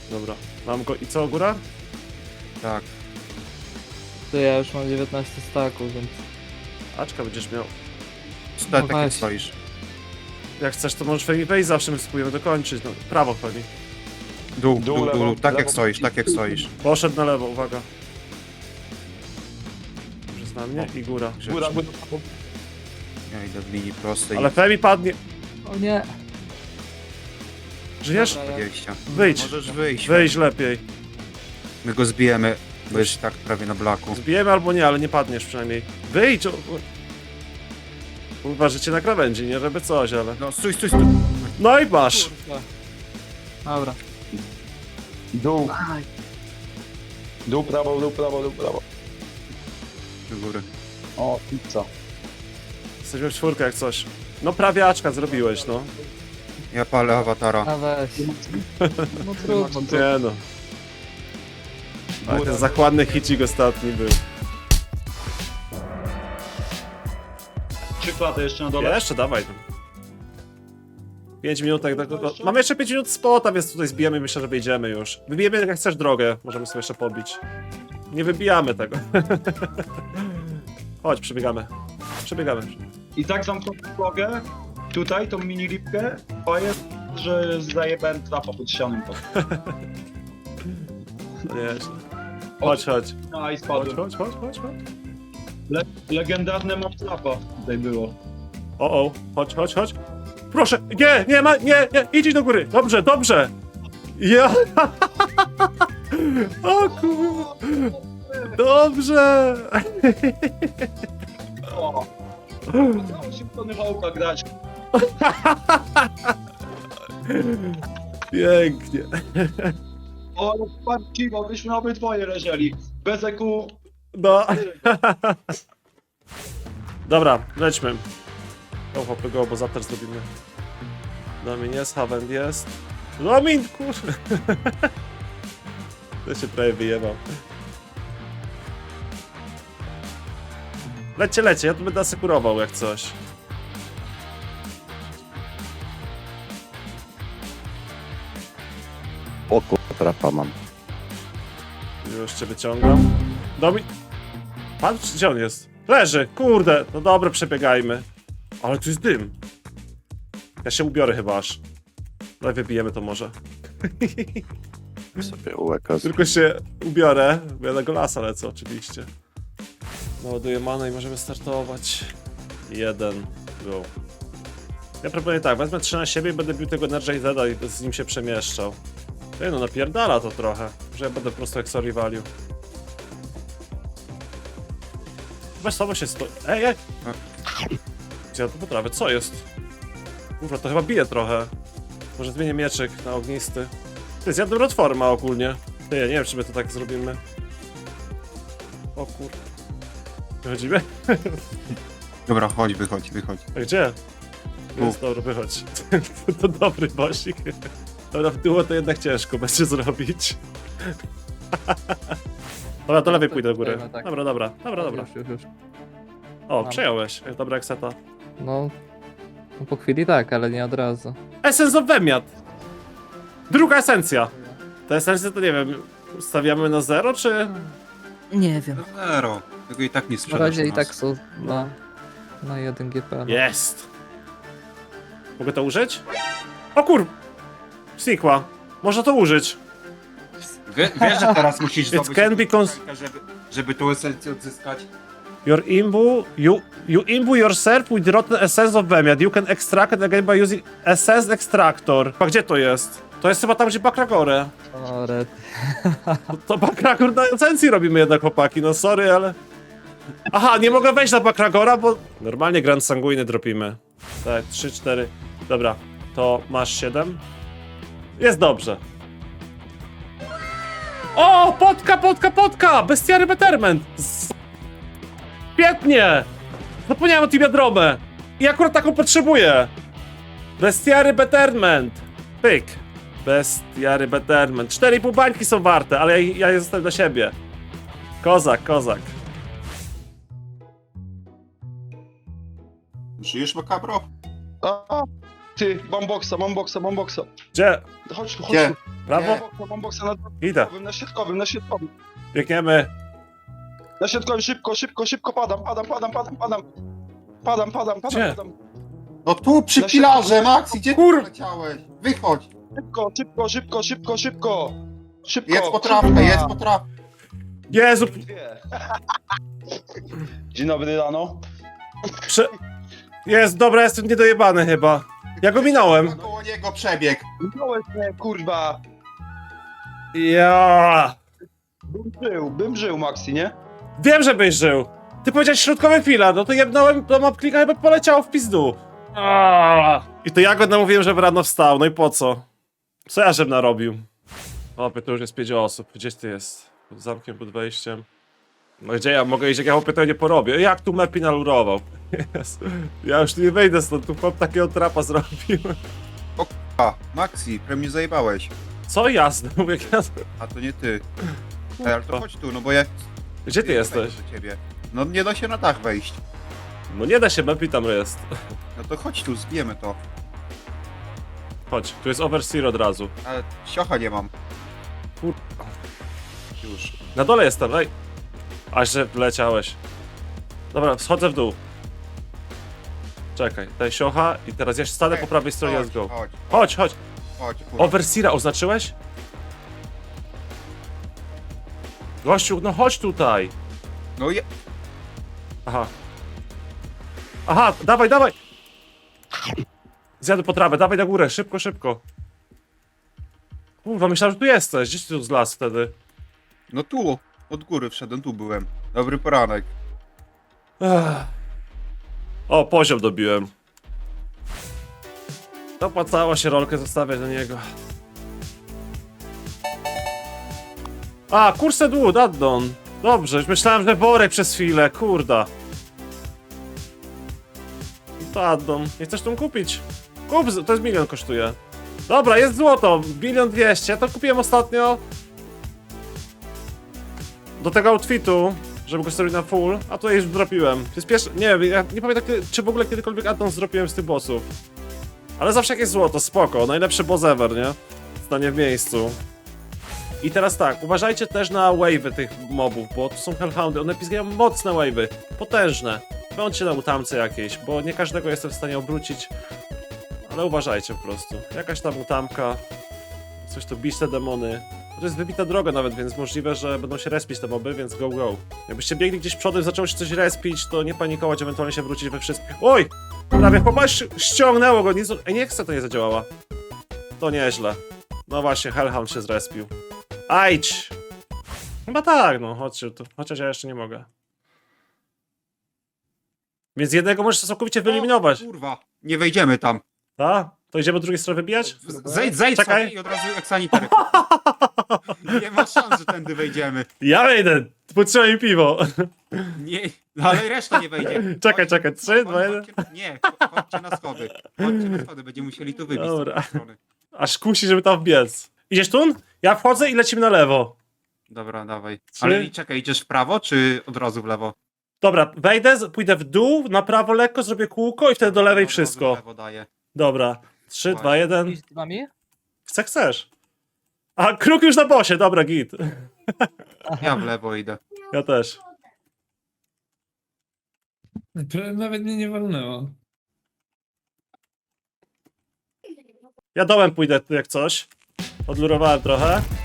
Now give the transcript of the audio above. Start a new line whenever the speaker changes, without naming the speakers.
Dobra. Mam go. I co, góra?
Tak.
To ja już mam 19 staków, więc...
Aczka będziesz miał.
Stoi,
No
tak jak
weź.
stoisz.
Jak chcesz, to możesz Femi wejść, zawsze my spróbujemy dokończyć. No, prawo Femi.
Dół,
Dół,
dół,
lewo,
dół, tak jak
lewo.
stoisz, tak jak stoisz.
Poszedł na lewo, uwaga. Przez na mnie i góra.
Góra, góra.
Ja idę w linii prostej.
Ale Femi padnie.
O nie!
Żyjesz?
Dobra, ja...
Wyjścia.
Wyjdź.
Możesz wyjść.
Wyjść lepiej.
My go zbijemy, bo jest tak prawie na blaku.
Zbijemy albo nie, ale nie padniesz przynajmniej. Wyjdź! Uważajcie na krawędzi, nie żeby coś, ale...
No stój, stój, stój.
No i masz!
Kurwa. Dobra.
Dół. Dół, prawo, dół, prawo, dół, prawo.
Do góry.
O, pizza.
Jesteśmy w czwórkę jak coś. No prawie aczka zrobiłeś, no.
Ja palę awatara.
A weź. No trudno.
Nie no. Ale ten zachłanny hicik ostatni był.
Przykłady jeszcze na dole.
Jeszcze dawaj tam. 5 minut, tak, mamy jeszcze 5 minut spota, więc tutaj zbijamy i myślę, że wyjdziemy już. Wybijemy jak chcesz drogę, możemy sobie jeszcze pobić. Nie wybijamy tego. Chodź, przebiegamy. Przebiegamy.
I tak zamknąłem drogę, tutaj tą mini lipkę, to jest, że zajebałem trapa pod ścianą.
Nieźle. Chodź, chodź.
No i
Chodź,
spadłem.
chodź, chodź, chodź, chodź.
Legendarne mam trapa tutaj było.
O, chodź, chodź, chodź. Proszę, nie, nie ma, nie, idź do góry. Dobrze, dobrze. Ja. O kurwa. Dobrze.
O! Udało się w Tony Hawk'a grać.
Pięknie.
O, parciwo, byśmy obydwoje leżeli. Bez EQ.
No. Dobra, lećmy. O, go, bo zater zrobimy. Domin jest, Havend jest. Domin, kurwa. To się prawie wyjebał. Lecie, ja tu będę asekurował jak coś.
O kurwa, trapa mam.
Już cię wyciągam. Domin... Patrz, gdzie on jest? Leży, kurde. No dobra, przebiegajmy. Ale tu jest dym. Ja się ubiorę chyba aż. Daj, wybijemy to może.
Sobie łeka.
Tylko się ubiorę, bo ja na golasa lecę oczywiście. Naładuję manę i możemy startować. 1, go. Ja proponuję tak, wezmę 3 na siebie i będę bił tego Energizeda i z nim się przemieszczał. Ej, no napierdala to trochę, że ja będę po prostu jak sorry value. Weź słabo się stoi. Ej! Gdzie ja to potrafię? Co jest? Kurwa, to chyba bije trochę. Może zmienię mieczyk na ognisty. To jest jadłorotworma ogólnie. Ty, ja nie wiem, czy my to tak zrobimy. O kur... Wychodzimy?
Dobra, chodź, wychodź, wychodź.
A gdzie? Jest, dobra, wychodź. To dobry bosik. Dobra, w tyło to jednak ciężko będzie zrobić. Dobra, do lewej pójdę do góry.
Tak.
Dobra.
Już.
O,
Mam.
przejąłeś. Dobra, ekseta.
No po chwili tak, ale nie od razu.
Essence of Wemiat. Druga esencja. Ta esencja to nie wiem, stawiamy na 0 czy...
Nie wiem.
Zero. Tego i tak nie
Na
sprzedasz
razie
u
i
nas.
tak są na 1 GP. No.
Jest! Mogę to użyć? O kur... Snikła. Można to użyć.
Wiesz, że teraz musisz
It
zdobyć
can be
żeby tą esencję odzyskać?
You imbue yourself with rotten essence of Vemiat. You can extract it again by using essence extractor. A gdzie to jest? To jest chyba tam, gdzie Bakragorę.
O, red.
To Bakragor na esencji robimy jednak, chłopaki. No sorry, ale... Aha, nie mogę wejść na Bakragora, bo... Normalnie Grand Sanguiny dropimy. Tak, 3, 4... Dobra, to masz 7. Jest dobrze. O, potka! Bestiary Betterment! Świetnie! Zapomniałem o Tibiadromę. I akurat taką potrzebuję. Bestiary Betterment. Pyk. Bestiary Betterment. 4,5 bańki są warte, ale ja je zostawię dla siebie. Kozak.
Żyjesz, makabro?
A, ty, mam boksa.
Gdzie?
Chodź tu,
Gdzie?
Prawo?
Mam boksa na
Idę.
na środkowym.
Biegniemy.
Na środkowym, szybko, padam.
Gdzie?
No tu przy
Na
filarze, Maxi, gdzie
Kur-
ty leciałeś? Wychodź.
Szybko.
Jedz potrawkę, jedz potrawkę.
Jezu,
Dwie. Dzień dobry rano.
jest, dobra, jestem niedojebany chyba. Ja go minąłem.
Koło niego przebieg.
Minąłeś mnie, kurwa.
Ja.
Bym żył, Maxi, nie?
Wiem, że byś żył. Ty powiedziałeś środkowy filar, no to jebnąłem do map klika, chyba poleciało w pizdu. I to ja go namówiłem, żeby rano wstał, no i po co? Co ja żem narobił? O, to już jest 5 osób. Gdzieś ty jest? Pod zamkiem, pod wejściem. No gdzie ja mogę iść, jak ja chłopie tego nie porobię? Jak tu Mepi nalurował? Jezu. Ja już tu nie wejdę stąd, tu chłop takiego trapa zrobił.
A, Maxi, prawie mnie zajebałeś.
Co jasne, mówię, ja...
A to nie ty. Ej, ale to chodź tu, no bo ja...
Gdzie ty
ja
jesteś?
wejdę do ciebie. No nie da się na dach wejść.
No nie da się, Mepi tam jest.
No to chodź tu, zbijemy to.
Chodź, tu jest Overseer od razu.
Ale siocha nie mam.
Kur-
Już.
Na dole jestem, ej. Aż że wleciałeś. Dobra, schodzę w dół. Czekaj, daj siocha i teraz ja się stanę po prawej stronie, let's go. Chodź.
Chodź, kurwa.
Overseera oznaczyłeś? Gościu, no chodź tutaj.
No je...
Aha, dawaj. Zjadę potrawę, dawaj na górę, szybko. Kurwa, myślałem, że tu jesteś. Gdzieś ty tu zlazł wtedy?
No tu, od góry wszedłem, tu byłem. Dobry poranek.
Ech. O, poziom dobiłem. Opłacało się rolkę zostawiać do niego. A, Cursed Wood, addon. Dobrze, już myślałem, że worek przez chwilę, kurda. To addon. Nie chcesz tą kupić? Kup, to jest 1 000 000 kosztuje. Dobra, jest złoto, 1 200 000. Ja to kupiłem ostatnio. Do tego outfitu, żeby go zrobić na full, a to już dropiłem. To jest pierwszy, nie wiem, ja nie pamiętam, czy w ogóle kiedykolwiek addon zrobiłem z tych bossów. Ale zawsze jak jest złoto, spoko, najlepszy boss ever, nie? Stanie w miejscu. I teraz tak, uważajcie też na wave'y tych mobów, bo tu są hellhoundy, one pizgają mocne wave'y, potężne. Bądźcie na utamce jakiejś, bo nie każdego jestem w stanie obrócić. Ale uważajcie po prostu. Jakaś tam utamka, coś to bić te demony. To jest wybita droga nawet, więc możliwe, że będą się respić te moby, więc go. Jakbyście biegli gdzieś przodem, zaczęło się coś respić, to nie panikować, ewentualnie się wrócić we wszystkich. Oj! Prawie chłopak ściągnęło go, nie chcę, to nie zadziałała. To nieźle. No właśnie, Hellhound się zrespił. Ajdź! Chyba tak, no, chodźcie tu. Chociaż ja jeszcze nie mogę. Więc jednego możesz całkowicie wyeliminować.
O, kurwa, nie wejdziemy tam.
Tak? To idziemy od drugiej strony wybijać?
Zejdź
Czekaj.
sobie i od razu eksaniterę. Nie ma szans, że tędy wejdziemy.
Ja wejdę! Potrzymaj mi piwo.
Nie, ale reszta nie wejdzie.
Czekaj,
Chodźcie,
3, 2, 1.
Nie, chodźcie na schody. Chodźcie na schody, będziemy musieli tu wybić
Dobra.
z tej strony.
Aż kusi, żeby tam wbiec. Idziesz tu? Ja wchodzę i lecimy na lewo.
Dobra, dawaj.
3.
Ale czekaj, idziesz w prawo, czy od razu w lewo?
Dobra, wejdę, pójdę w dół, na prawo lekko, zrobię kółko i wtedy do lewej
Od razu w
wszystko.
lewo daję.
Dobra. 3, 2, 1.
Iść z wami?
Chcesz. A, kruk już na bosie, dobra, git.
Ja w lewo idę.
Ja też.
Nawet mnie nie walnęło.
Ja dołem pójdę tu jak coś. Odlurowałem trochę.